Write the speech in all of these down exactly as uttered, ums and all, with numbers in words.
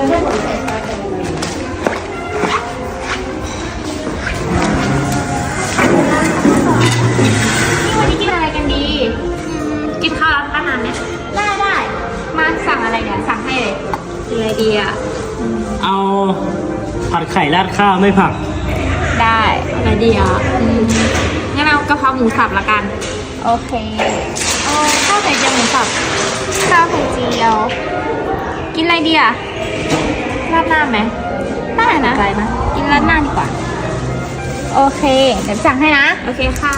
วันนี้กินอะไรกันดีกินข้าวร้านป้านานไหมได้ได้มาสั่งอะไรเนี่ยสั่งให้เลยกินอะไรดีอ่ะเอาผัดไข่ราดข้าวไม่ผักได้อะไรดีอ่ะงั้นเอากะเพราหมูสับละกันโอเคเอาข้าวไข่เจียวหมูสับข้าวไข่เจียวกินอะไรดีอ่ะราดหน้าไหมได้นะใจนะกินราดหน้าดีกว่าโอเคเดี๋ยวสั่งให้นะโอเคค่ะ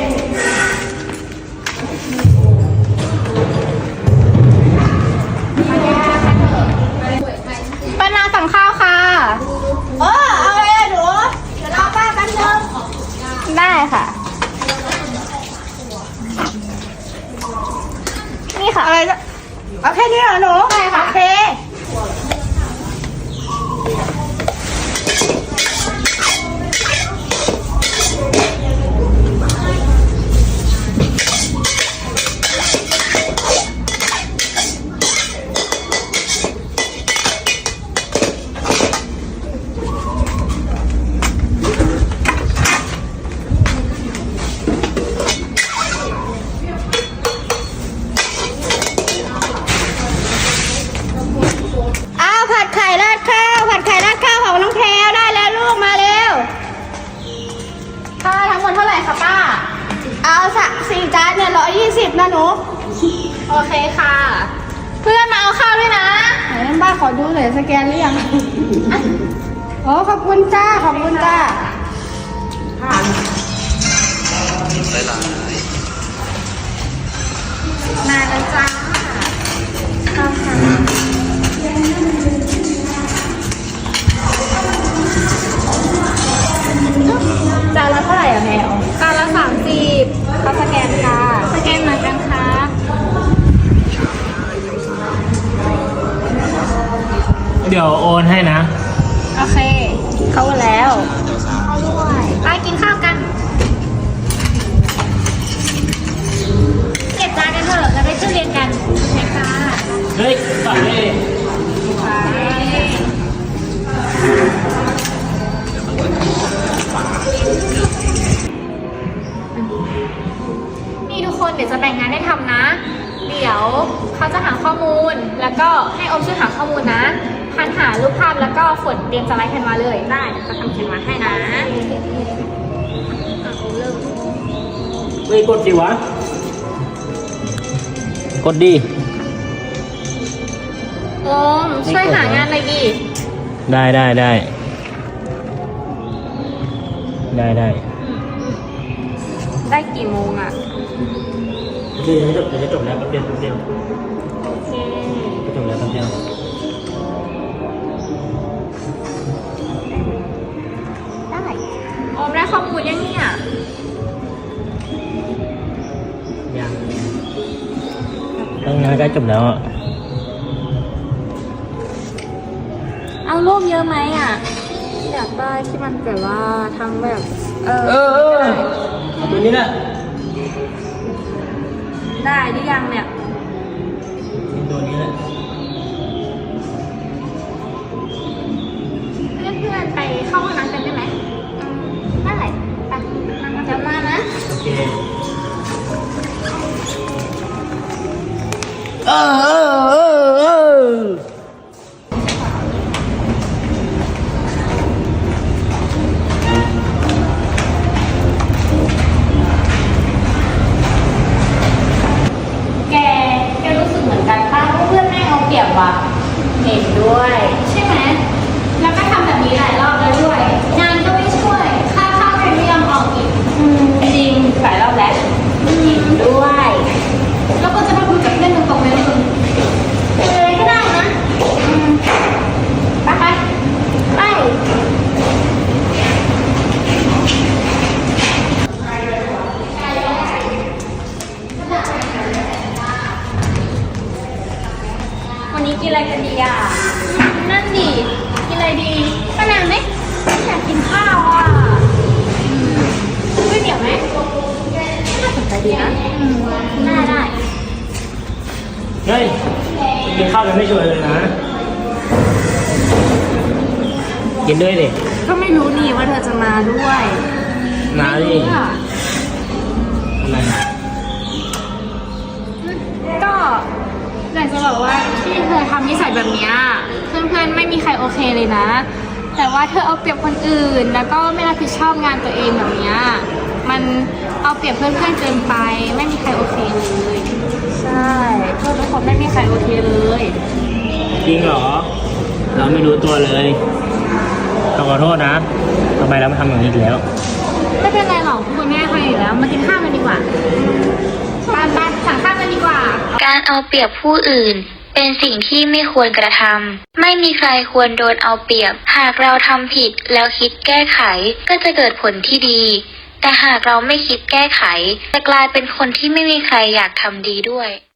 ป้านาสั่งข้าวค่ะเออเอาอะไรอะหนูเดี๋ยวรอป้าแป๊บนึงได้ค่ะนี่ค่ะอะไรจะเอาแค่นี้เหรอหนูใช่ค่ะโอเคผัดไข่ราดข้าวผัดไข่ราดข้าวของน้องแพรวได้แล้วลูกมาเร็วค่าทั้งหมดเท่าไหร่คะป้าเอาสักสี่จานเนี่ยร้อยยี่สิบนะหนูโอเคค่ะเพื่อนมาเอาข้าวด้วยนะไหนป้าขอดูหน่อยสแกนหรือยังโอ้ขอบคุณจ้าขอบคุณจ้ามาแล้วจ้าข้าวค่ะจานละเท่าไหร่อะแมวจานละสามสิบเขาสแกนค่ะสแกนมาจังคะเดี๋ยวโอนให้นะโอเคเข้าแล้วเข้าด้วยไปกินข้าวกันเก็บจานกันเถอะจะไปขึ้นเรียนกันใช่ค่ะเฮ้ยต่อเลยนี่ทุกคนเดี๋ยวจะแบ่งงานให้ทำนะ เดี๋ยวเขาจะหาข้อมูลแล้วก็ให้อมช่วยหาข้อมูลนะพันหารูปภาพแล้วก็ฝนเตรียมสไลด์แคนวาเลยได้เดี๋ยวจะทำแคนวาให้นะเริ่มเฮ้ยกดสิวะกดดีโอมช่วยหางานหน่อยดิได้ได้ได้ได้ได้ได้กี่โมงอ่ะเดี๋ยวจะจบเดี๋ยวจะจบแล้วแป๊บเดียวแป๊บเดียวโอเคจะจบแล้วแป๊บเดียวได้โอมได้ข้อมูลยังเนี่ยยังตั้งงานใกล้จบแล้วอ่ะเอารูปเยอะไหมอ่ะอยากได้ที่มันแบบว่าทำแบบเออเออเอาตัวนี้แหละได้หรือยังเนี่ยตัวนี้แหละเพื่อนๆไปเข้าห้องน้ำกันได้ไหมได้ไปจะมานะโอเคเออเออเออเออแกแกรู้สึกเหมือนกันป่ะว่าเพื่อนแม่เอาเปรียบว่ะเห็นด้วยใช่ไหมแล้วก็ทำแบบนี้หลายรอบแล้วด้วยงานก็ไม่ช่วยค่าข้าวยังไม่ยอมออกอีกจริงหลายรอบแล้วเห็นด้วยแล้วก็จะมาคุยกับเพื่อนตรงๆเลยมึงเลยก็ได้นะไปไปไปวันนี้กินอะไรกันดีอ่ะนั่นดิกินอะไรดีป้านางไหมอยากกินข้าวอ่ะก๋วยเตี๋ยวไหมน่าสนใจดีนะได้ได้เฮ้ยกินข้าวยังไม่ช่วยเลยนะกินด้วยดิก็ไม่รู้นี่ว่าเธอจะมาด้วยมาดิไม่รู้อะอะไรนะก็อยากจะบอกว่าที่เธอทำนิสัยแบบเนี้ยเพื่อนๆไม่มีใครโอเคเลยนะ แต่ว่าเธอเอาเปรียบคนอื่น แล้วก็ไม่รับผิดชอบงานตัวเองแบบเนี้ยมันเอาเปรียบเพื่อนๆเกินไป ไม่มีใครโอเคเลยใช่เพื่อนทุกคนไม่มีใครโอเคเลยจริงเหรอ เราไม่รู้ตัวเลยเราขอโทษนะทำไมเราไม่ทำอย่างนี้อีกแล้วไม่เป็นไรหรอกคุณแม่ใครอยู่แล้วมากินข้าวกันดีกว่าไปไปสั่งข้าวกันดีกว่าการเอาเปรียบผู้อื่นเป็นสิ่งที่ไม่ควรกระทำไม่มีใครควรโดนเอาเปรียบหากเราทำผิดแล้วคิดแก้ไขก็จะเกิดผลที่ดีแต่หากเราไม่คิดแก้ไขจะกลายเป็นคนที่ไม่มีใครอยากทำดีด้วย